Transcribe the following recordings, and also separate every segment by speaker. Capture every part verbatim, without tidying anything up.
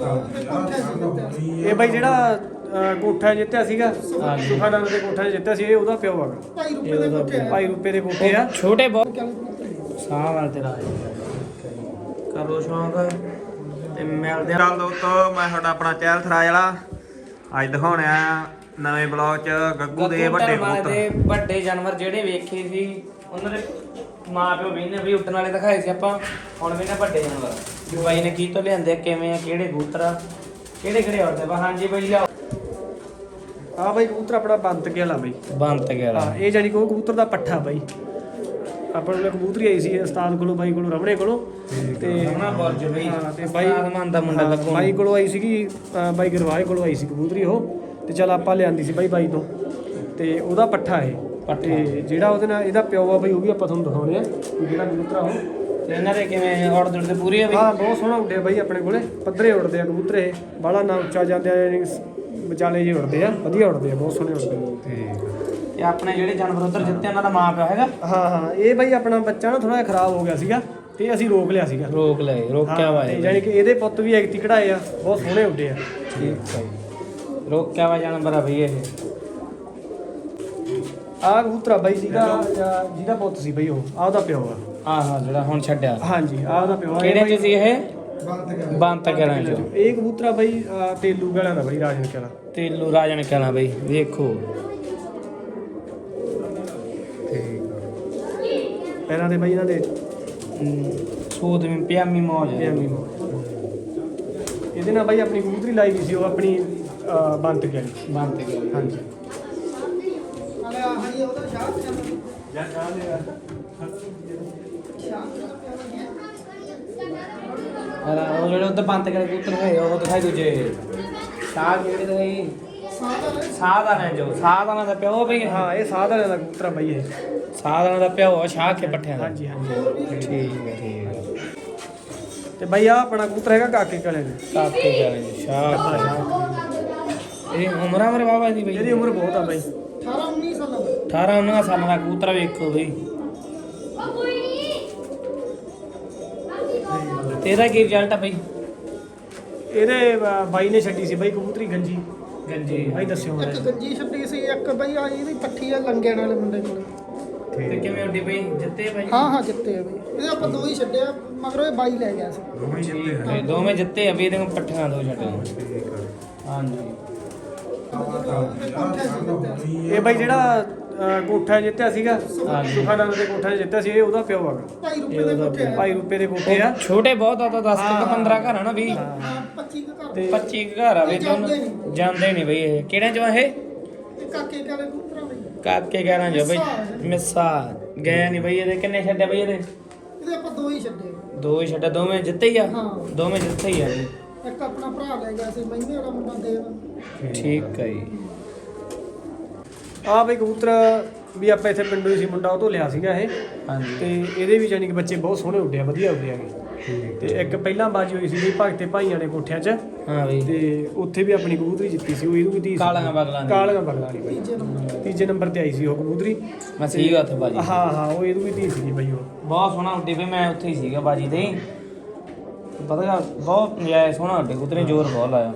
Speaker 1: ਇਹ ਬਾਈ ਜਿਹੜਾ ਕੋਠਾ ਜਿੱਤਿਆ ਸੀਗਾ ਸੁਖਾਨੰਦ ਦੇ ਕੋਠਾ ਜਿੱਤਿਆ ਸੀ, ਇਹ ਉਹਦਾ ਪਿਓ ਹੈਗਾ। ਭਾਈ ਰੂਪੇ ਦੇ ਕੋਠੇ ਆ
Speaker 2: ਛੋਟੇ ਬਹੁਤ ਸਾਹ ਵਾਲ ਤੇਰਾ ਕਰੋ ਸ਼ੌਂਕ ਤੇ ਮਿਲਦੇ ਆ।
Speaker 3: ਚੱਲ ਦੋਸਤੋ, ਮੈਂ ਤੁਹਾਡਾ ਆਪਣਾ ਚਹਿਲ ਥਰਾਜ ਵਾਲਾ ਅੱਜ ਦਿਖਾਉਣਾ ਨਵੇਂ ਬਲੌਗ ਚ ਗੱਗੂ ਦੇ ਵੱਡੇ ਪੁੱਤ
Speaker 2: ਦੇ ਵੱਡੇ ਜਾਨਵਰ ਜਿਹੜੇ ਵੇਖੇ ਸੀ ਉਹਨਾਂ ਦੇ ਮਾਂ ਪਿਓ ਵੀ ਨੇ ਵੀ ਉੱਡਣ ਵਾਲੇ ਦਿਖਾਏ ਸੀ ਆਪਾਂ। ਹੁਣ ਵੀ ਨੇ ਵੱਡੇ ਜਾਨਵਰ ਵੀ ਬਾਈ ਨੇ ਕੀ ਤੋਂ ਲਿਆਂਦੇ ਕਿਵੇਂ ਆ, ਕਿਹੜੇ ਕਬੂਤਰ ਆ, ਕਿਹੜੇ ਕਿਹੜੇ ਉੜਦੇ ਬਾ। ਹਾਂਜੀ ਬਾਈ ਲਿਆਓ।
Speaker 1: ਆ ਬਾਈ ਕਬੂਤਰ ਆਪਣਾ ਬੰਤ ਕੇ ਵਾਲਾ ਬਾਈ,
Speaker 2: ਬੰਤ ਕੇ ਵਾਲਾ।
Speaker 1: ਹਾਂ ਇਹ ਜਾਨੀ ਕਿ ਉਹ ਕਬੂਤਰ ਦਾ ਪੱਠਾ ਬਾਈ। ਆਪਾਂ ਨੂੰ ਕਬੂਤਰੀ ਆਈ ਸੀ ਉਸਤਾਦ ਕੋਲੋਂ, ਬਾਈ ਕੋਲੋਂ, ਰਮਣੇ ਕੋਲੋਂ, ਤੇ
Speaker 2: ਉਹਨਾਂ ਬੁਰਜ ਬਈ
Speaker 1: ਹਾਂ ਤੇ ਬਾਈ
Speaker 2: ਆਦਮਾਨ ਦਾ ਮੁੰਡਾ ਲੱਗੂ
Speaker 1: ਬਾਈ ਕੋਲੋਂ ਆਈ ਸੀਗੀ, ਬਾਈ ਗਰਵਾਜ ਕੋਲੋਂ ਆਈ ਸੀ ਕਬੂਤਰੀ ਉਹ। ਤੇ ਚੱਲ ਆਪਾਂ ਲਿਆਂਦੀ ਸੀ ਬਾਈ ਬਾਈ ਤੋਂ, ਤੇ ਉਹਦਾ ਪੱਠਾ ਇਹ ਤੇ ਜਿਹੜਾ ਉਹਦੇ ਨਾਲ ਇਹਦਾ ਪਿਓ ਆ ਬਾਈ, ਉਹ ਵੀ ਆਪਾਂ ਤੁਹਾਨੂੰ ਦਿਖਾਉਣੇ ਆ ਜਿਹੜਾ ਕਬੂਤਰ ਆ ਉਹ।
Speaker 2: ਤੇ ਇਹਨਾਂ ਦੇ ਕਿਵੇਂ ਉੜਦੇ ਉੜਦੇ ਪੂਰੀ ਆ ਬਈ?
Speaker 1: ਹਾਂ ਬਹੁਤ ਸੋਹਣਾ ਉੱਡਿਆ ਬਾਈ ਆਪਣੇ ਕੋਲੇ, ਪੱਧਰੇ ਉੱਡਦੇ ਆ ਕਬੂਤਰ ਇਹ, ਬਾਹਲਾ ਨਾ ਉੱਚਾ ਜਾਂਦੇ ਆ, ਵਿਚਾਲੇ ਜਿਹੇ ਉੱਡਦੇ ਆ, ਵਧੀਆ ਉੱਡਦੇ ਆ, ਬਹੁਤ ਸੋਹਣੇ ਉੱਡਦੇ ਆ।
Speaker 2: ਤੇ ਆਪਣੇ ਜਿਹੜੇ ਜਾਨਵਰ ਉਧਰ ਜਿੱਤੇ ਉਹਨਾਂ ਦਾ ਮਾਂ ਪਿਓ ਹੈਗਾ?
Speaker 1: ਹਾਂ ਹਾਂ ਇਹ ਬਾਈ ਆਪਣਾ ਬੱਚਾ ਨਾ ਥੋੜਾ ਜਿਹਾ ਖਰਾਬ ਹੋ ਗਿਆ ਸੀਗਾ ਤੇ ਅਸੀਂ ਰੋਕ ਲਿਆ ਸੀਗਾ।
Speaker 2: ਰੋਕ ਲਏ, ਰੋਕਿਆ ਵਾ ਇਹ।
Speaker 1: ਯਾਨੀ ਕਿ ਇਹਦੇ ਪੁੱਤ ਵੀ ਐਗਤੀ ਕਢਾਏ ਆ, ਬਹੁਤ ਸੋਹਣੇ ਉੱਡੇ ਆ।
Speaker 2: ਠੀਕ ਹੈ, ਰੋਕਿਆ ਵਾ ਜਾਨਵਰ ਆ ਬਈ ਇਹ।
Speaker 1: ਆਹ ਕਬੂਤਰਾ ਬਾਈ ਜਿਹਦਾ ਜਿਹਦਾ ਪੁੱਤ ਸੀ ਬਾਈ, ਉਹ ਆਹ ਉਹਦਾ ਪਿਓ ਆ।
Speaker 2: ਹਾਂ ਹਾਂ ਜਿਹੜਾ ਹੁਣ ਛੱਡਿਆ।
Speaker 1: ਹਾਂਜੀ ਆਹ ਉਹਦਾ ਪਿਓ ਆ।
Speaker 2: ਕਿਹੜੇ ਚ ਸੀ ਇਹ? ਬੰਤ ਕਰਾਂ ਚ।
Speaker 1: ਇਹ ਕਬੂਤਰਾ ਬਾਈ ਤੇਲੂ ਗਲਾਂ ਦਾ ਬਾਈ, ਰਾਜਨ ਕਲਾਂ।
Speaker 2: ਤੇਲੂ ਰਾਜਨ ਕਲਾਂ ਬਾਈ, ਵੇਖੋ
Speaker 1: ਪੈਰਾਂ ਦੇ ਬਾਈ ਇਹਨਾਂ ਦੇ
Speaker 2: ਸੂਦ ਵੀ ਪਿਆਮੀ ਮੌਜ ਹੈ।
Speaker 1: ਪਿਆਮੀ ਮੌਜ। ਇਹਦੇ ਨਾਲ ਬਾਈ ਆਪਣੀ ਕਬੂਤਰੀ ਲਾਈ ਗਈ ਸੀ ਉਹ ਆਪਣੀ ਬੰਤ ਕੇ ਵਾਲੀ।
Speaker 2: ਬੰਤ ਕੇ
Speaker 1: ਹਾਂਜੀ।
Speaker 2: ਉਹ ਜਿਹੜੇ ਉਧਰ ਬੰਤ ਕੇ ਕਬੂਤਰ ਹੈ ਉਹ ਦਿਖਾਈ ਦੂਜੇ ਸਾਹ ਕਿਹੜੇ ਦਿਖਾਈ? ਸਾਧਾਰਨ ਜੋ ਸਾਧਾਰਨ ਦਾ ਪਿਓ ਬਈ।
Speaker 1: ਹਾਂ ਇਹ ਸਾਧਾਰਨ ਦਾ ਕਬੂਤਰ ਬਾਈ ਇਹ।
Speaker 2: ਸਾਧਾਰਨ ਦਾ ਪਿਓ ਆ ਸ਼ਾਹ ਕੇ ਪੱਠਿਆਂ ਦਾ।
Speaker 1: ਹਾਂਜੀ ਹਾਂਜੀ
Speaker 2: ਠੀਕ ਹੈ ਠੀਕ ਹੈ।
Speaker 1: ਤੇ ਬਾਈ ਆ ਆਪਣਾ ਕਬੂਤਰ ਹੈਗਾ ਕਾਕੇ ਕਾਲੇ ਦਾ।
Speaker 2: ਕਾਕੇ ਕਾਲੇ ਸ਼ਾਹ ਸ਼ਾਹ। ਇਹ ਉਮਰਾਂ ਮਰੇ ਬਾਬਾ ਦੀ ਬਈ?
Speaker 1: ਇਹਦੀ ਉਮਰ ਬਹੁਤ ਆ ਬਾਈ,
Speaker 2: ਅਠਾਰਾਂ ਉੱਨੀ ਸਾਲਾਂ ਦਾ ਕਬੂਤਰ ਵੇਖੋ ਬਈ। ਤੇਰਾ ਕੀ ਰਿਜ਼ਲਟ ਆ ਬਈ?
Speaker 1: ਇਹਦੇ ਬਾਈ ਨੇ ਛੱਡੀ ਸੀ ਬਾਈ ਕਬੂਤਰੀ ਗੰਜੀ।
Speaker 2: ਗੰਜੀ
Speaker 1: ਬਾਈ ਦੱਸਿਓ
Speaker 4: ਇੱਕ ਗੰਜੀ ਛੱਡੀ ਸੀ, ਇੱਕ ਬਈ ਆ ਇਹਦੀ ਪੱਠੀ ਆ ਲੰਗੇਣ ਵਾਲੇ ਮੁੰਡੇ ਕੋਲ।
Speaker 2: ਤੇ ਕਿਵੇਂ ਉੱਡੀ ਬਈ? ਜਿੱਤੇ ਭਾਈ?
Speaker 4: ਹਾਂ ਹਾਂ ਜਿੱਤੇ ਆ ਬਈ। ਇਹਦੇ ਆਪਾਂ ਦੋ ਹੀ ਛੱਡਿਆ, ਮਗਰੋਂ ਇਹ ਬਾਈ ਲੈ ਗਿਆ ਸੀ।
Speaker 2: ਦੋਵੇਂ ਜਿੱਤੇ? ਦੋਵੇਂ ਜਿੱਤੇ ਆ ਵੀ। ਇਹਦੇ ਪੱਠਿਆਂ ਦੋ ਛੱਡਿਆ। ਹਾਂਜੀ।
Speaker 1: ਇਹ ਬਾਈ ਜਿਹੜਾ ਕੋਠਾ ਜਿੱਤਿਆ ਸੀਗਾ ਸੁਖਾਨੰਦ ਦੇ ਕੋਠਾ ਜਿੱਤਿਆ ਸੀ, ਇਹ ਉਹਦਾ ਪਿਓ ਹੈਗਾ।
Speaker 4: ਭਾਈ ਰੁਪਏ ਦੇ ਕੋਠੇ ਆ।
Speaker 1: ਭਾਈ ਰੂਪੇ ਦੇ ਕੋਠੇ ਆ।
Speaker 2: ਛੋਟੇ ਬਹੁਤ ਆ ਤਾਂ ਦਸ ਤੋਂ ਪੰਦਰਾਂ ਘਰ ਆ ਨਾ ਵੀਹ
Speaker 4: ਹਾਂ ਪੱਚੀ ਕੁ ਘਰ।
Speaker 1: ਤੇ
Speaker 2: ਪੱਚੀ ਘਰ ਆ ਵੀ। ਦੋਨੋਂ ਜਾਂਦੇ ਨਹੀਂ ਬਈ। ਇਹ ਕਿਹੜੇ ਚ ਵਾ ਇਹ?
Speaker 4: ਇਹ ਕਾਕੇ ਕਾਲੇ ਕਬੂਤਰਾਂ ਬਈ।
Speaker 2: ਕਾਕੇ ਕਹਿਣਾ ਜੋ ਬਈ ਮਿੱਸਾ ਗਏ ਨਹੀਂ ਬਈ। ਇਹਦੇ ਕਿੰਨੇ ਛੱਡੇ ਬਈ? ਇਹਦੇ
Speaker 4: ਇਹਦੇ ਆਪਾਂ ਦੋ ਹੀ ਛੱਡੇ।
Speaker 2: ਦੋ ਹੀ ਛੱਡੇ। ਦੋਵੇਂ ਜਿੱਤੇ ਹੀ ਆ?
Speaker 4: ਹਾਂ
Speaker 2: ਦੋਵੇਂ ਜਿੱਤੇ ਹੀ ਆ ਜੀ।
Speaker 4: ਇੱਕ ਆਪਣਾ ਭਰਾ ਲੈ ਗਿਆ ਸੀ ਮਹੀਨੇ ਵਾਲਾ ਮੁੰਡਾ ਦੇਵ।
Speaker 2: ਠੀਕ ਹੈ ਜੀ।
Speaker 1: ਆ ਬਈ ਕਬੂਤਰ ਵੀ ਆਪਾਂ ਇੱਥੇ ਪਿੰਡੋਂ ਹੀ ਸੀ, ਮੁੰਡਾ ਉਹ ਤੋਂ ਲਿਆ ਸੀਗਾ ਇਹ।
Speaker 2: ਹਾਂਜੀ।
Speaker 1: ਤੇ ਇਹਦੇ ਵੀ ਜਾਨੀ ਕਿ ਬੱਚੇ ਬਹੁਤ ਸੋਹਣੇ ਉੱਡੇ ਆ, ਵਧੀਆ ਉੱਡੇ ਆਗੇ। ਤੇ ਇੱਕ ਪਹਿਲਾਂ ਬਾਜੀ ਹੋਈ ਸੀ ਜੀ ਭਗਤੇ ਭਾਈਆਂ ਦੇ ਕੋਠਿਆਂ 'ਚ।
Speaker 2: ਹਾਂ ਬਈ।
Speaker 1: ਤੇ ਉੱਥੇ ਵੀ ਆਪਣੀ ਕਬੂਤਰੀ ਜਿੱਤੀ ਸੀ, ਉਹ ਇਹਨੂੰ ਵੀ ਧੀ
Speaker 2: ਕਾਲੀਆਂ ਬਗਲਾਂ ਦੀ।
Speaker 1: ਕਾਲੀਆਂ ਬਗਲਾਂ ਦੀ ਬਾਈ। ਤੀਜੇ ਨੰਬਰ ਤੇ ਆਈ ਸੀ ਉਹ ਕਬੂਤਰੀ।
Speaker 2: ਮੈਂ ਸੀਗਾ ਉੱਥੇ ਬਾਜੀ।
Speaker 1: ਹਾਂ ਹਾਂ ਉਹ ਇਹਨੂੰ ਵੀ ਧੀ ਸੀਗੀ ਬਾਈ ਉਹ।
Speaker 2: ਬਹੁਤ ਸੋਹਣਾ ਉੱਡੇ ਬਈ। ਮੈਂ ਉੱਥੇ ਹੀ ਸੀਗਾ ਬਾਜੀ ਤੇ। ਪਤਾ ਗਾ ਬਹੁਤ ਨਜਾਇਜ਼ ਸੋਹਣਾ ਉੱਡੇ ਕਬੂਤਰ ਨੇ, ਜ਼ੋਰ ਬਹੁਤ ਲਾਇਆ।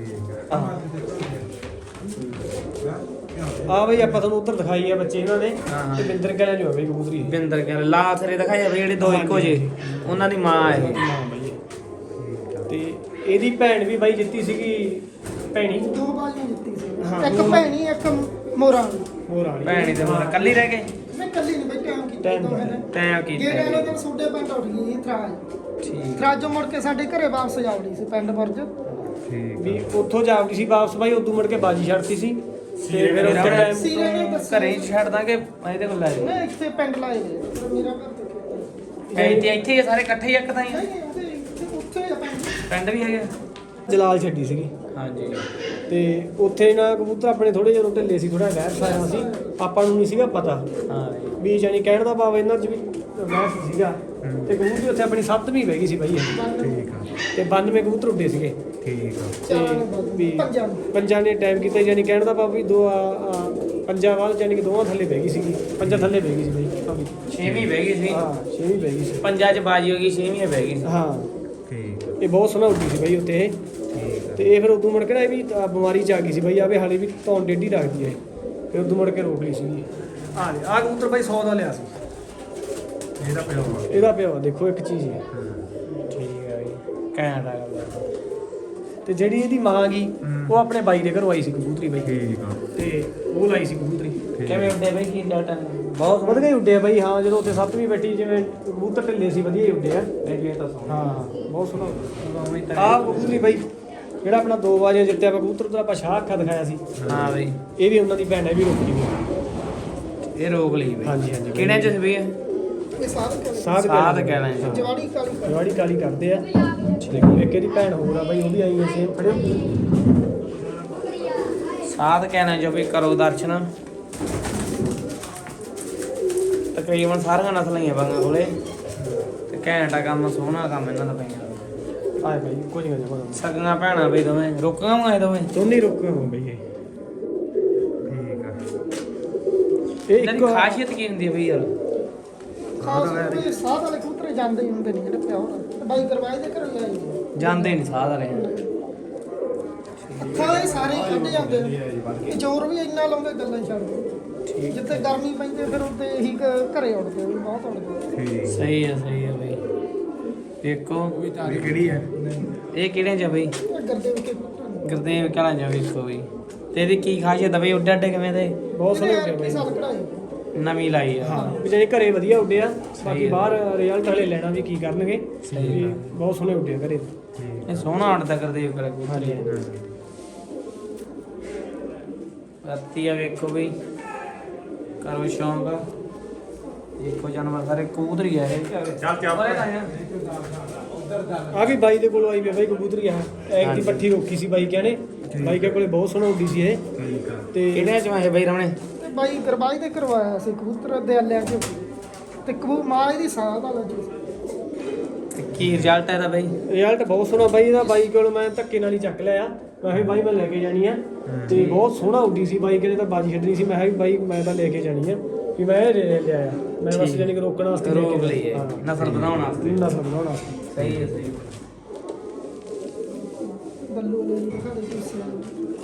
Speaker 1: ਆ ਬਈ ਆਪਾਂ ਤੁਹਾਨੂੰ ਉੱਧਰ ਦਿਖਾਈ ਆ ਬੱਚੇ ਇਹਨਾਂ ਨੇ। ਤੇ ਬਿੰਦਰ ਕਹਿਣਾ ਜੋ ਹੈ ਬਈ ਕਬੂਤਰੀ।
Speaker 2: ਬਿੰਦਰ ਕਹਿੰਦੇ ਲਾ ਥਰੇ ਦਿਖਾਇਆ ਬਈ, ਜਿਹੜੇ ਦੋ ਇੱਕੋ ਜੇ ਉਹਨਾਂ ਦੀ ਮਾਂ ਇਹ।
Speaker 1: ਹਾਂ ਬਈ। ਤੇ ਇਹਦੀ ਭੈਣ ਵੀ ਬਾਈ ਜਿੱਤੀ ਸੀਗੀ, ਭੈਣੀ।
Speaker 4: ਦੋ ਬਾਜੀਆਂ ਜਿੱਤੀ ਸੀ।
Speaker 1: ਹਾਂ,
Speaker 4: ਇੱਕ
Speaker 1: ਦੋ-
Speaker 4: ਭੈਣੀ ਇੱਕ ਮੋਰਾਂ ਵਾਲੀ।
Speaker 1: ਹੋਰ ਵਾਲੀ
Speaker 2: ਭੈਣੀ ਤੇ ਮਾਂ ਕੱਲੀ ਰਹਿ ਗਏ।
Speaker 4: ਮੈਂ ਕੱਲੀ ਨਹੀਂ ਬਈ ਟਾਈਮ ਕੀਤਾ
Speaker 1: ਟਾਈਮ
Speaker 4: ਦੋਵੇਂ ਨੇ।
Speaker 2: ਟਾਈਮ ਕੀਤਾ
Speaker 4: ਜਿਹੜੇ ਵਾਲੇ ਦਿਨ ਸੋਡੇ ਪਿੰਡ ਉੱਠ ਗਈ ਸੀ ਥਰਾਜ।
Speaker 2: ਠੀਕ।
Speaker 4: ਥਰਾਜੋਂ ਮੁੜ ਕੇ ਸਾਡੇ ਘਰੇ ਵਾਪਸ ਜਾਵੜੀ ਸੀ ਪਿੰਡ ਬੁਰਜ।
Speaker 1: ਵੀ ਉੱਥੋਂ ਜਾਵੜੀ ਸੀ ਵਾਪਸ ਬਾਈ, ਉਦੋਂ ਮੁੜ ਕੇ ਬਾਜੀ ਛੱਡਤੀ ਸੀ। ਤੇ ਫਿਰ ਉਸ ਟਾਈਮ
Speaker 4: ਸੀਰੇ ਨੇ ਦੱਸਿਆ
Speaker 2: ਘਰੇ ਹੀ ਛੱਡ ਦਾਂਗੇ ਇਹਦੇ ਕੋਲ ਲੈ ਜਾਓ।
Speaker 4: ਮੈਂ ਇੱਥੇ ਪਿੰਡ ਲਾਏ ਨੇ ਮੇਰਾ ਘਰ ਤੇ
Speaker 2: ਐ ਤੇ ਇੱਥੇ ਹੀ ਆ ਸਾਰੇ ਇਕੱਠੇ ਹੀ ਇੱਕ ਤਾਂ ਹੀ ਆ।
Speaker 4: ਨਹੀਂ ਉਹਦੇ ਇੱਥੇ ਉੱਥੇ ਆ ਪਿੰਡ।
Speaker 2: ਪਿੰਡ ਵੀ ਹੈਗੇ?
Speaker 1: ਜਲਾਲ ਛੱਡੀ ਸੀਗੀ।
Speaker 2: ਹਾਂਜੀ।
Speaker 1: ਤੇ ਉੱਥੇ ਨਾ ਕਬੂਤਰ ਆਪਣੇ ਥੋੜੇ ਜਿਹੇ ਢਿੱਲੇ ਸੀ, ਥੋੜਾ ਵਹਿਰ ਸਾਇਆ ਸੀ, ਆਪਾਂ ਨੂੰ ਨਹੀਂ ਸੀਗਾ ਪਤਾ
Speaker 2: ਹਾਂ
Speaker 1: ਵੀ ਜਾਨੀ ਕਹਿਣ ਦਾ ਭਾਵ ਇਹਨਾਂ 'ਚ ਵੀ ਵਹਿਰ ਸੀਗਾ। ਤੇ ਕਬੂਤਰ ਉੱਥੇ ਆਪਣੀ ਸੱਤਵੀਂ ਬਹਿ ਗਈ ਸੀ ਬਾਈ ਇਹ।
Speaker 4: ਠੀਕ
Speaker 1: ਆ। ਤੇ ਬਾਨਵੇਂ ਕਬੂਤਰ ਉੱਡੇ ਸੀਗੇ।
Speaker 3: ਠੀਕ ਆ।
Speaker 1: ਤੇ ਵੀ
Speaker 4: ਪੰਜਾਂ
Speaker 1: ਪੰਜਾਂ ਨੇ ਟਾਈਮ ਕੀਤਾ, ਜਾਨੀ ਕਹਿਣ ਦਾ ਭਾਵ ਵੀ ਦੋ ਆ, ਆ, ਪੰਜਾਂ ਵਾਲ ਜਾਨੀ ਕਿ ਦੋਵਾਂ ਥੱਲੇ ਬਹਿ ਗਈ ਸੀਗੀ, ਪੰਜਾਂ ਥੱਲੇ ਬਹਿ ਗਈ ਸੀ ਬਾਈ। ਹਾਂ ਵੀ।
Speaker 2: ਛੇਵੀਂ ਬਹਿ ਗਈ ਸੀ।
Speaker 1: ਹਾਂ ਛੇਵੀਂ ਬਹਿ ਗਈ ਸੀ।
Speaker 2: ਪੰਜਾਂ ਚ ਬਾਜੀ ਹੋ ਗਈ, ਛੇਵੀਂ ਬਹਿ ਗਈ ਸੀ।
Speaker 1: ਹਾਂ
Speaker 3: ਠੀਕ
Speaker 1: ਇਹ ਬਹੁਤ ਸੋਹਣਾ ਉੱਡੀ ਸੀ ਬਾਈ ਉੱਤੇ ਇਹ। ਤੇ ਇਹ ਫਿਰ ਉਦੋਂ ਮੁੜ ਕੇ ਨਾ ਇਹ ਵੀ ਤਾਂ ਬਿਮਾਰੀ ਚ ਆ ਗਈ ਸੀ ਬਾਈ ਆਵੇ ਹਾਲੇ ਵੀ ਧੌਣ ਡੇਢੀ ਰੱਖਦੀ ਹੈ ਇਹ। ਫਿਰ ਉਦੋਂ ਮੁੜ ਕੇ ਰੋਕ ਲਈ ਸੀ। ਆ ਲੈ ਆ ਕਬੂਤਰ ਬਾਈ ਸੌ ਦਾ ਲਿਆ ਸੀ
Speaker 3: ਇਹਦਾ ਪਿਓ
Speaker 1: ਇਹਦਾ ਪਿਓ ਦੇਖੋ ਇੱਕ ਚੀਜ਼ ਹੈ।
Speaker 2: ਠੀਕ ਹੈ ਬਈ ਘੈਂਟ ਆ ਗੱਲ।
Speaker 1: ਤੇ ਜਿਹੜੀ ਇਹਦੀ ਮਾਂ ਗਈ ਉਹ ਆਪਣੇ ਬਾਈ ਦੇ ਘਰੋਂ ਆਈ ਸੀ ਕਬੂਤਰੀ ਬਾਈ
Speaker 3: ਠੀਕ ਆ
Speaker 1: ਤੇ ਉਹ ਲਾਈ ਸੀ ਕਬੂਤਰੀ।
Speaker 2: ਕਿਵੇਂ ਉੱਡੇ ਬਈ ਕੀ ਡਾਟਾ ਬਹੁਤ
Speaker 1: ਵਧੀਆ ਹੀ ਉੱਡੇ ਆ ਬਾਈ ਹਾਂ ਜਦੋਂ ਉੱਥੇ ਸੱਤਵੀਂ ਬੈਠੀ ਜਿਵੇਂ ਕਬੂਤਰ ਢਿੱਲੇ ਸੀ ਵਧੀਆ ਹੀ ਉੱਡੇ ਆ।
Speaker 2: ਇਹ ਤਾਂ ਸੋਹਣਾ
Speaker 1: ਹਾਂ ਬਹੁਤ ਸੋਹਣਾ
Speaker 2: ਉਵੇਂ ਤਾਂ
Speaker 1: ਆਹ ਕਬੂਤਰੀ ਬਾਈ ਜਿਹੜਾ ਆਪਣਾ ਦੋ ਵਾਜੇ ਜਿੱਤਿਆ ਵਾ ਕਬੂਤਰ ਦਾ ਆਪਾਂ ਸ਼ਾਹ ਅੱਖਾਂ ਦਿਖਾਇਆ ਸੀ
Speaker 2: ਹਾਂ ਬਈ
Speaker 1: ਇਹ ਵੀ ਉਹਨਾਂ ਦੀ ਭੈਣ ਹੈ ਵੀ ਰੋਕੀ ਵੀ
Speaker 2: ਇਹ ਰੋਕ ਲਈ ਬਈ
Speaker 1: ਹਾਂਜੀ ਹਾਂਜੀ
Speaker 2: ਕਿਹੜੇ ਚ ਸੀ ਬਈ ਇਹ?
Speaker 4: ਇਹ ਸਾਰੇ ਕਰ
Speaker 1: ਸਾਧ
Speaker 2: ਸਾਧ ਕਹਿਣਾ ਹੈ।
Speaker 4: ਜਵਾੜੀ ਕਾਲੀ ਕਰ
Speaker 1: ਜਵਾੜੀ ਕਾਲੀ ਕਰਦੇ ਆ ਦੇਖੋ ਇੱਕ ਇਹਦੀ ਭੈਣ ਹੋਰ ਆ ਬਾਈ ਉਹ ਵੀ ਆਈ ਹੈ ਸੇਮ ਫੜਿਓ
Speaker 2: ਸਾਧ ਕਹਿਣਾ ਜੋ ਵੀ ਕਰੋ ਦਰਸ਼ਨ। ਤਕਰੀਬਨ ਸਾਰੀਆਂ ਨਸਲਾਂ ਹੀ ਆ ਬਾਂਗਾ ਕੋਲੇ ਤੇ ਘੈਂਟਾ ਕੰਮ ਸੋਹਣਾ ਕੰਮ ਇਹਨਾਂ ਦਾ ਪਈਆਂ
Speaker 1: ਆਏ ਬਾਈ ਕੁਝ ਨਹੀਂ ਜਮਾ
Speaker 2: ਸਗੀਆਂ ਭੈਣਾਂ ਬਈ ਦੋਵੇਂ ਰੁਕੀਆਂ ਵਾਂ ਇਹ ਦੋਵੇਂ
Speaker 1: ਦੋਨੇ ਰੁਕੇ ਹੋ ਬਈ ਇਹ
Speaker 3: ਠੀਕ ਆ
Speaker 1: ਇਹ
Speaker 2: ਇਹਨਾਂ ਦੀ
Speaker 1: ਇੱਕ
Speaker 2: ਖਾਸੀਅਤ ਕੀ ਹੁੰਦੀ ਹੈ ਬਈ ਯਾਰ?
Speaker 4: ਖਾਸ ਕੋਈ ਸਾਧ ਵਾਲੇ ਕਬੂਤਰ ਜਾਂਦੇ ਹੀ ਹੁੰਦੇ ਨੇ ਜਿਹੜੇ ਪਿਓ ਨਾਲ ਤੇ ਬਾਈ ਕਰਵਾਏ ਦੇ ਘਰੋਂ ਆਈ
Speaker 2: ਜਾਂਦੇ ਨਹੀਂ ਸਾਧ ਵਾਲੇ
Speaker 4: ਅੱਖਾਂ ਇਹ ਸਾਰੇ ਹੀ ਕੱਢ ਜਾਂਦੇ ਨੇ ਇਹ ਜ਼ੋਰ ਵੀ ਇੰਨਾ ਲਾਉਂਦੇ ਗੱਲਾਂ ਛੱਡ ਦੇ ਜਿੱਥੇ ਗਰਮੀ ਪੈਂਦੀ ਫਿਰ ਉੱਤੇ ਇਹੀ ਘ- ਘਰੇ ਉੱਡਦੇ ਆ ਵੀ ਬਹੁਤ ਉੱਡਦੇ ਆ।
Speaker 3: ਠੀਕ
Speaker 2: ਸਹੀ ਹੈ ਸਹੀ ਹੈ ਬਈ ਦੇਖੋ
Speaker 3: ਇਹ ਕਿਹੜੀ ਹੈ
Speaker 2: ਇਹ ਕਿਹੜੇ ਚ ਆ ਬਈ?
Speaker 4: ਇਹ ਗਰਦੇ ਵਿੱਚ ਕਬੂਤਰ ਨੇ।
Speaker 2: ਗੁਰਦੇਵ ਕਲਾਂ ਚ ਆ ਵੇਖੋ ਬਈ ਤੇ ਇਹਦੀ ਕੀ ਖਾਸੀਅਤ ਆ ਬਈ ਉੱਡੇ ਅੱਡੇ ਕਿਵੇਂ ਦੇ
Speaker 1: ਬਹੁਤ ਸੋਹਣੇ
Speaker 4: ਇਹਨੇ
Speaker 1: ਉੱਡੇ
Speaker 4: ਐਤਕੀ
Speaker 1: ਬਾਈ
Speaker 4: ਸਾਲ ਕਢਾਈ
Speaker 2: ਨਵੀਂ ਲਾਈ ਆ
Speaker 1: ਵੀ ਜਿਹੜੇ ਘਰੇ ਵਧੀਆ ਉੱਡੇ ਆ ਬਾਕੀ
Speaker 2: ਹੈ।
Speaker 1: ਬਾਹਰ ਰਿਜ਼ਲਟ ਹਲੇ ਲੈਣਾ ਵੀ ਕੀ ਕਰਨਗੇ
Speaker 2: ਸਹੀ
Speaker 1: ਵੀ ਬਹੁਤ ਸੋਹਣੇ ਉੱਡੇ ਆ ਘਰੇ
Speaker 2: ਇਹ ਸੋਹਣਾ ਉੱਡਦਾ ਗੁਰਦੇਵ ਕਲਾਂ ਕਬੂਤਰ ਰਾਤੀ ਆ ਵੇਖੋ ਬਈ ਕਰੋ ਸ਼ੌਂਕ ਦੇਖੋ ਜਾਨਵਰ ਸਾਰੇ ਕਬੂਤਰ ਹੀ ਆ ਇਹ
Speaker 3: ਚੱਲ ਚੱਲ
Speaker 1: ਆ ਵੀ ਬਾਈ ਦੇ ਕੋਲੋਂ ਆਈ ਵੀ ਆ ਬਾਈ ਕਬੂਤਰੀ ਆ ਇੱਕ ਦੀ ਪੱਠੀ ਰੋਕੀ ਸੀ ਬਾਈ ਕਹਿੰਦੇ ਬਾਈ ਕੇ ਕੋਲੇ ਬਹੁਤ ਸੋਹਣਾ ਉੱਡੀ ਸੀ ਇਹ
Speaker 3: ਠੀਕ ਆ
Speaker 1: ਤੇ
Speaker 2: ਕਿਹੜੇ ਚ ਆਏ ਬਈ ਰਮਣੇ
Speaker 4: ਤੇ ਬਾਈ ਗਰਬਾਈ ਦੇ ਕਰਵਾਇਆ ਸੀ ਕਬੂਤਰ ਦੇ ਲਿਆ ਕੇ ਤੇ ਕਬੂ ਮਾਂ ਇਹਦੀ ਸਾਹ ਦਾ ਲੱਗੀ
Speaker 2: ਤੇ ਕੀ ਰਿਜ਼ਲਟ ਹੈ ਇਹਦਾ ਬਈ?
Speaker 1: ਰਿਜ਼ਲਟ ਬਹੁਤ ਸੋਹਣਾ ਬਾਈ ਇਹਦਾ ਬਾਈ ਕੋਲ ਮੈਂ ਧੱਕੇ ਨਾਲ ਹੀ ਚੱਕ ਲਿਆ ਮੈਂ ਕਿਹਾ ਬਾਈ ਮੈਂ ਲੈ ਕੇ ਜਾਣੀ ਆ ਤੇ ਬਹੁਤ ਸੋਹਣਾ ਉੱਡੀ ਸੀ ਬਾਈ ਕਹਿੰਦੇ ਤਾਂ ਬਾਜੀ ਛੱਡਣੀ ਸੀ ਮੈਂ ਕਿਹਾ ਵੀ ਬਾਈ ਮੈਂ ਤਾਂ ਲੈ ਕੇ ਜਾਣੀ ਆ ਵੀ ਮੈਂ ਇਹ ਲੈ ਲਿਆਇਆ ਮੈਂ ਬਸ
Speaker 2: ਠੀਕ।
Speaker 1: ਜਾਨੀ ਕਿ ਰੋਕਣ ਵਾਸਤੇ ਲੈ
Speaker 2: ਰੋਕ
Speaker 1: ਕੇ
Speaker 2: ਲਈ ਹੈ
Speaker 1: ਹਾਂ।
Speaker 2: ਨਸਲ ਬਣਾਉਣ ਵਾਸਤੇ
Speaker 1: ਨਸਲ ਬਣਾਉਣ ਵਾਸਤੇ
Speaker 2: ਸਹੀ ਹੈ ਸਹੀ
Speaker 4: ਬੱਲੂ ਵਾਲੇ ਨੂੰ ਦਿਖਾ ਦੇ ਕਿਸੇ ਨੂੰ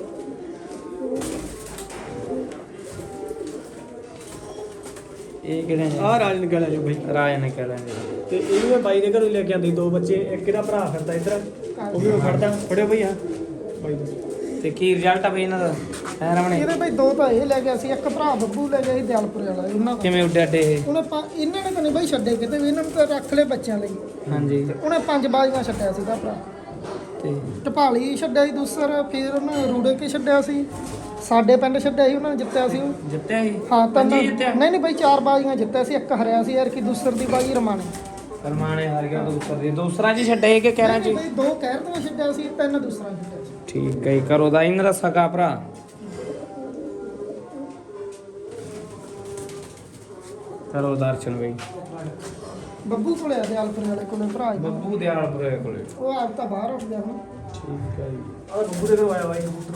Speaker 2: ਇਹ ਕਿਹੜੇ
Speaker 1: ਆਹ ਰਾਜਨ ਗਲਾ ਜੋ ਬਾਈ
Speaker 2: ਰਾਜ ਨੇ ਕਹਿ ਲੈਂਦੇ
Speaker 1: ਤੇ ਇਹ ਵੀ ਮੈਂ ਬਾਈ ਦੇ ਘਰੋਂ ਲੈ ਕੇ ਆਂਦੀ ਦੋ ਬੱਚੇ ਇੱਕ ਇਹਦਾ ਭਰਾ ਫਿਰਦਾ ਇੱਧਰ ਉਹ ਵੀ ਮੈਂ ਫੜਦਾ ਫੜਿਓ ਬਈ ਆ ਬਾਈ ਦਾ
Speaker 2: ਤੇ ਕੀ ਰਿਜ਼ਲਟ ਆ ਬਈ ਇਹਨਾਂ ਦਾ ਹੈ ਰਮਣੇ
Speaker 4: ਇਹਦੇ ਬਈ ਦੋ ਤਾਂ ਇਹ ਲੈ ਗਿਆ ਸੀ ਇੱਕ ਭਰਾ ਬੱਬੂ ਲੈ ਗਿਆ ਸੀ ਦਿਆਲਪੁਰ ਵਾਲਾ ਇਹਨਾਂ ਦਾ
Speaker 2: ਕਿਵੇਂ ਉੱਡੇ ਅੱਡੇ ਇਹ
Speaker 4: ਉਹਨੇ ਪੰ- ਇਹਨਾਂ ਨੇ ਤਾਂ ਨਹੀਂ ਬਈ ਛੱਡੇ ਕਿਤੇ ਵੀ ਇਹਨਾਂ ਨੂੰ ਤਾਂ ਰੱਖ ਲਏ ਬੱਚਿਆਂ ਲਈ
Speaker 2: ਹਾਂਜੀ
Speaker 4: ਉਹਨੇ ਪੰਜ ਬਾਜ਼ੀਆਂ ਛੱਡਿਆ ਸੀ ਦਾ ਭਰਾ
Speaker 2: ਤੇ
Speaker 4: ਢਪਾਲੀ ਛੱਡਿਆ ਸੀ ਦੂਸਰ ਫਿਰ ਉਹਨੇ ਰੂੜੇ ਕੇ ਛੱਡਿਆ ਸੀ ਸਾਡੇ ਪਿੰਡ ਛੱਡਿਆ ਸੀ ਉਹਨਾਂ ਨੇ ਜਿੱਤਿਆ ਸੀ ਉਹ
Speaker 2: ਜਿੱਤਿਆ ਸੀ
Speaker 4: ਹਾਂ ਤਾਂ
Speaker 2: ਪੰਜੀ ਜਿੱਤਿਆ
Speaker 4: ਨਹੀਂ ਨਹੀਂ ਬਈ ਚਾਰ ਬਾਜ਼ੀਆਂ ਜਿੱਤਿਆ ਸੀ ਇੱਕ ਹਰਿਆ ਸੀ ਯਾਰ ਕਿ ਦੂਸਰ ਦੀ ਬਾਜ਼ੀ ਰਮਾਣੇ
Speaker 2: ਫਰਮਾਨੇ ਹਾਰ ਗਿਆ ਦੂਸਰਾ ਦੀ ਦੂਸਰਾ ਜੀ ਛੱਡੇ ਕਿ ਕਹਿਣਾ
Speaker 4: ਨਹੀਂ
Speaker 2: ਜੀ
Speaker 4: ਬਈ ਦੋ ਕਹਿਰ ਤੋਂ ਛੱਡਿਆ ਸੀ ਤਿੰਨ ਦੂਸਰਾ ਛੱਡਿਆ ਸੀ
Speaker 2: ਠੀਕ ਹੈ ਜੀ, ਕਰੋ ਦਾ ਇਹਨਾਂ ਦਾ ਸਕਾ ਭਰਾ ਕਰੋ ਦਰਸ਼ਨ ਬਈ
Speaker 4: ਬੱਬੂ ਕੋਲੇ ਆ ਦਿਆਲਪੁਰ ਵਾਲੇ ਕੋਲੇ ਭਰਾ ਸੀ।
Speaker 2: ਬੱਬੂ ਦਿਆਲਪੁਰੇ ਕੋਲੇ
Speaker 4: ਉਹ ਆਪ ਤਾਂ ਬਾਹਰ ਉੱਠ ਗਿਆ ਹੁਣ
Speaker 1: ਠੀਕ ਹੈ ਜੀ ਆਹ ਬੱਬੂ ਦੇ ਘਰੋਂ ਆਇਆ ਬਾਈ ਕਬੂਤਰ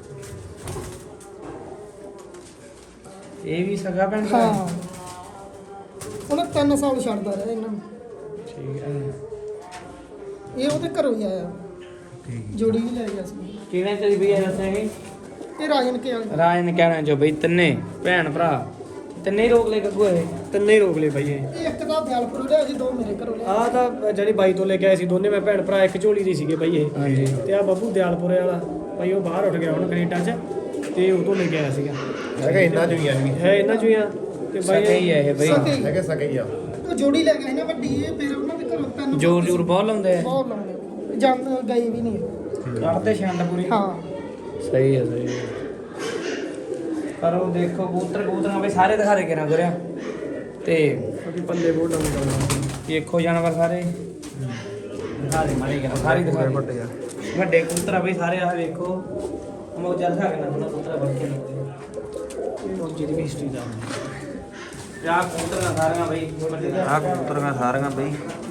Speaker 2: ਇਹ ਵੀ ਸਗਾ ਪਿੰਡ ਦਾ
Speaker 4: ਹਾਂ ਉਹਨੇ ਤਿੰਨ ਸਾਲ ਛੱਡਦਾ ਰਿਹਾ ਇਹਨਾਂ ਨੂੰ
Speaker 2: ਠੀਕ ਹੈ
Speaker 4: ਇਹ ਉਹਦੇ ਘਰੋਂ ਹੀ ਆਇਆ ਜੋੜੀ ਵੀ ਲੈ ਗਿਆ ਸੀ
Speaker 2: ਕਿਹਨੇ ਤੇਰੀ ਵੀ ਦੱਸਿਆਗੇ
Speaker 4: ਇਹ ਰਾਜਨ ਕੇ ਵਾਲੇ
Speaker 2: ਰਾਜ ਨੇ ਕਹਿਣਾ ਜੋ ਬਈ ਤਿੰਨੇ ਭੈਣ ਭਰਾ ਤਿੰਨੇ ਹੀ ਰੋਕ ਲੈ ਗੱਗੂ ਇਹ
Speaker 1: ਤਿੰਨੇ ਹੀ ਰੋਕ ਲਏ ਬਾਈ ਇਹ
Speaker 4: ਇਹ ਇੱਕ ਤਾਂ ਦਿਆਲਪੁਰ ਲਿਆ ਸੀ ਦੋ ਮੇਰੇ ਘਰੋਂ ਲਿਆ
Speaker 1: ਆਹ ਤਾਂ ਜਿਹੜੀ ਬਾਈ ਤੋਂ ਲੈ ਕੇ ਆਏ ਸੀ ਦੋਨੇ ਮੈਂ ਭੈਣ ਭਰਾ ਇੱਕ ਝੋਲੀ ਦੇ ਸੀਗੇ ਬਾਈ ਇਹ
Speaker 2: ਹਾਂਜੀ
Speaker 1: ਤੇ ਆ ਬੱਬੂ ਦਿਆਲਪੁਰੇ ਵਾਲਾ ਬਾਈ ਉਹ ਬਾਹਰ ਉੱਠ ਗਿਆ ਹੁਣ ਕੈਨੇਡਾ 'ਚ ਤੇ ਉਹ ਤੋਂ ਲੈ ਕੇ ਆਇਆ ਸੀਗਾ
Speaker 3: ਹੈਗਾ ਇੰਨਾ ਜੁਈਆਂ ਵੀ
Speaker 1: ਹੈ ਇਹਨਾਂ 'ਚੋਂ ਹੀ ਆ ਤੇ ਬਾਈ
Speaker 2: ਸਹੀ ਹੈ ਇਹ ਬਈ
Speaker 4: ਸਕੇ
Speaker 3: ਹੈਗੇ ਸਕੇ ਹੀ ਆ
Speaker 4: ਉਹ ਜੋੜੀ ਲੈ ਗਿਆ ਸੀ ਨਾ ਵੱਡੀ ਇਹ ਫਿਰ ਉਹਨਾਂ ਦੇ ਘਰੋਂ ਤਿੰਨ
Speaker 2: ਜੋਰ ਜੋਰ ਬਹੁਤ ਲਾਉਂਦੇ ਆ
Speaker 4: ਬਹੁਤ ਲਾਉਂਦੇ ਜਾਂ ਗਈ ਵੀ ਨਹੀਂ
Speaker 2: ਕੱਢਦੇ ਛੰਡ ਪੂਰੀ
Speaker 4: ਹਾਂ
Speaker 2: ਸਹੀ ਹੈ ਸਹੀ ਹੈ ਪਰ ਉਹ ਦੇਖੋ ਕਬੂਤਰ ਕਬੂਤਰਾਂ ਵੀ ਸਾਰੇ ਦਿਖਾ ਦੇ ਕੇ ਨਾ ਗੁਰਿਆ ਤੇ
Speaker 1: ਉਹਦੀ ਪੱਲੇ ਬਹੁਤ ਡਾਊਨ ਕਰਨਾ
Speaker 2: ਦੇਖੋ ਜਾਨਵਰ ਸਾਰੇ ਦਿਖਾ ਦੇ ਮਾਰੇ ਕੇ ਸਾਰੇ ਦਿਖਾ ਦੇ
Speaker 3: ਵੱਡੇ ਆ
Speaker 2: ਵੱਡੇ ਕਬੂਤਰ ਆ ਬਈ ਸਾਰੇ ਆ ਵੇਖੋ ਮੌਜਾ ਦਿਖਾ ਕੇ ਨਾ ਥੋੜਾ ਕਬੂਤਰ ਬਣ ਕੇ
Speaker 1: ਇਹ ਮੌਜੀ ਦੀ ਹਿਸਟਰੀ ਦਾ
Speaker 2: ਯਾ ਕਬੂਤਰਾਂ ਸਾਰੀਆਂ ਬਈ ਵੱਡੇ ਦਾ
Speaker 3: ਆਹ ਕਬੂਤਰੀਆਂ ਸਾਰੀਆਂ ਬਈ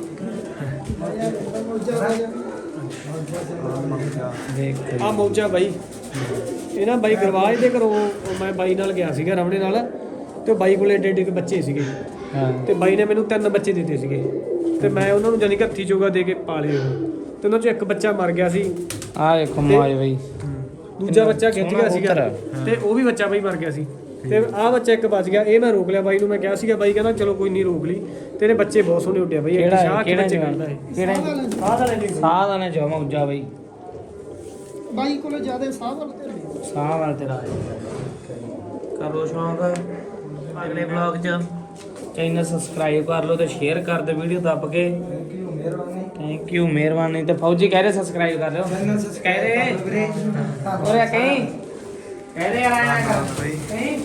Speaker 2: ਦੇਖ
Speaker 1: ਆ ਮੌਜਾ ਬਾਈ ਇਹ ਨਾ ਬਾਈ ਗਰਵਾਜ ਦੇ ਘਰੋਂ ਉਹ ਮੈਂ ਬਾਈ ਨਾਲ ਗਿਆ ਸੀਗਾ ਰਮਣੇ ਨਾਲ ਤੇ ਉਹ ਬਾਈ ਕੋਲੇ ਏਡੇ ਏਡੇ ਕੁ ਬੱਚੇ ਸੀਗੇ
Speaker 2: ਹਾਂ
Speaker 1: ਤੇ ਬਾਈ ਨੇ ਮੈਨੂੰ ਤਿੰਨ ਬੱਚੇ ਦਿੱਤੇ ਸੀਗੇ ਤੇ ਮੈਂ ਉਹਨਾਂ ਨੂੰ ਜਾਨੀ ਕਿ ਹੱਥੀ ਚੋਗਾ ਦੇ ਕੇ ਪਾਲੇ ਉਹ ਤੇ ਉਹਨਾਂ ਚੋਂ ਇੱਕ ਬੱਚਾ ਮਰ ਗਿਆ ਸੀ,
Speaker 2: ਆ ਵੇਖੋ ਮਾਜ ਬਈ,
Speaker 1: ਦੂਜਾ ਬੱਚਾ ਖਿੱਚ
Speaker 2: ਸੋਹਣਾ
Speaker 1: ਗਿਆ ਸੀਗਾ
Speaker 2: ਕਬੂਤਰ
Speaker 1: ਤੇ ਉਹ ਵੀ ਬੱਚਾ ਬਾਈ ਮਰ ਗਿਆ ਸੀ। ਤੇ ਆਹ ਬੱਚਾ ਇੱਕ ਬਚ ਗਿਆ, ਇਹ ਮੈਂ ਰੋਕ ਲਿਆ ਬਾਈ ਨੂੰ, ਮੈਂ ਕਿਹਾ ਸੀਗਾ, ਬਾਈ ਕਹਿੰਦਾ ਚਲੋ ਕੋਈ ਨਹੀਂ ਰੋਕ ਲਈ। ਤੇ ਇਹਦੇ ਬੱਚੇ ਬਹੁਤ ਸੋਹਣੇ ਉੱਡਿਆ ਬਾਈ, ਇੱਕ
Speaker 2: ਕਿਹੜਾ
Speaker 1: ਸ਼ਾਹ
Speaker 2: ਹੈ?
Speaker 1: ਕੇ
Speaker 2: ਕਿਹੜਾ
Speaker 1: ਬੱਚੇ
Speaker 2: ਜਵਾਨ?
Speaker 1: ਕਰਦਾ ਹੈ।
Speaker 2: ਕਿਹੜਾ
Speaker 1: ਸਾਹ ਦਾ ਲੈਂਦੇ
Speaker 2: ਸਾਹ ਦਾ ਨਾ ਜਮਾ ਉੱਜਾ ਬਈ,
Speaker 4: ਬਾਈ ਕੋਲੇ ਜਿਆਦਾ ਸਾਹ ਵਾਲ ਤੇ ਨੇ।
Speaker 2: ਸਾਹ ਵਾਲ ਤੇਰਾ ਕਰੋ ਸ਼ੌਂਕ। ਅਗਲੇ ਵਲੌਗ 'ਚ ਚੈਨਲ ਸਬਸਕ੍ਰਾਈਬ ਕਰ ਲਓ ਤੇ ਸ਼ੇਅਰ ਕਰ ਦਿਓ ਵੀਡੀਓ ਦੱਬ ਕੇ। ਥੈਂਕ ਯੂ, ਮਿਹਰਬਾਨੀ। ਤੇ ਫੌਜੀ ਕਹਿ ਰਹੇ ਸਬਸਕ੍ਰਾਈਬ ਕਰ ਲਿਓ, ਕਹਿ ਰਹੇ ਹੋਰ ਕਹੀਂ ਕਹਿ ਰਹੇ ਆਇਆ ਕਹੀਂ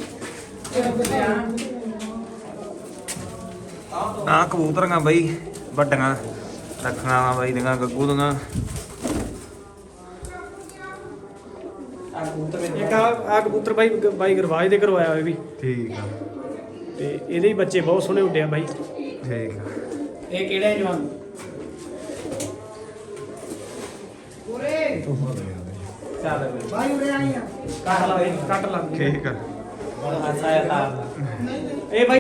Speaker 3: ਆ ਕਬੂਤਰੀਆਂ ਬਈ ਵੱਡੀਆਂ ਰੱਖਣਾ ਵਾ ਬਾਈ ਦੀਆਂ ਗੱਗੂ ਦੀਆਂ।
Speaker 1: ਇੱਕ ਆ ਆ ਕਬੂਤਰ ਬਾਈ ਬਾਈ ਗਰਵਾਜ ਦੇ ਕਰਵਾਇਆ ਹੋਇਆ ਵੀ,
Speaker 3: ਠੀਕ ਆ,
Speaker 1: ਤੇ ਇਹਦੇ ਹੀ ਬੱਚੇ ਬਹੁਤ ਸੋਹਣੇ ਉੱਡਿਆ ਬਾਈ।
Speaker 3: ਠੀਕ ਆ।
Speaker 2: ਇਹ ਕਿਹੜਾ ਜਵਾਨ ਚੱਲ ਬਈ
Speaker 4: ਬਾਈ ਉਰੇ ਆਈ ਆ
Speaker 2: ਕੱਟ ਲਾ ਬਈ,
Speaker 1: ਕੱਟ ਲਾ
Speaker 3: ਠੀਕ ਆ।
Speaker 2: ਹਾਸਾ ਆਇਆ ਤਾਂ
Speaker 1: ਇਹ ਬਾਈ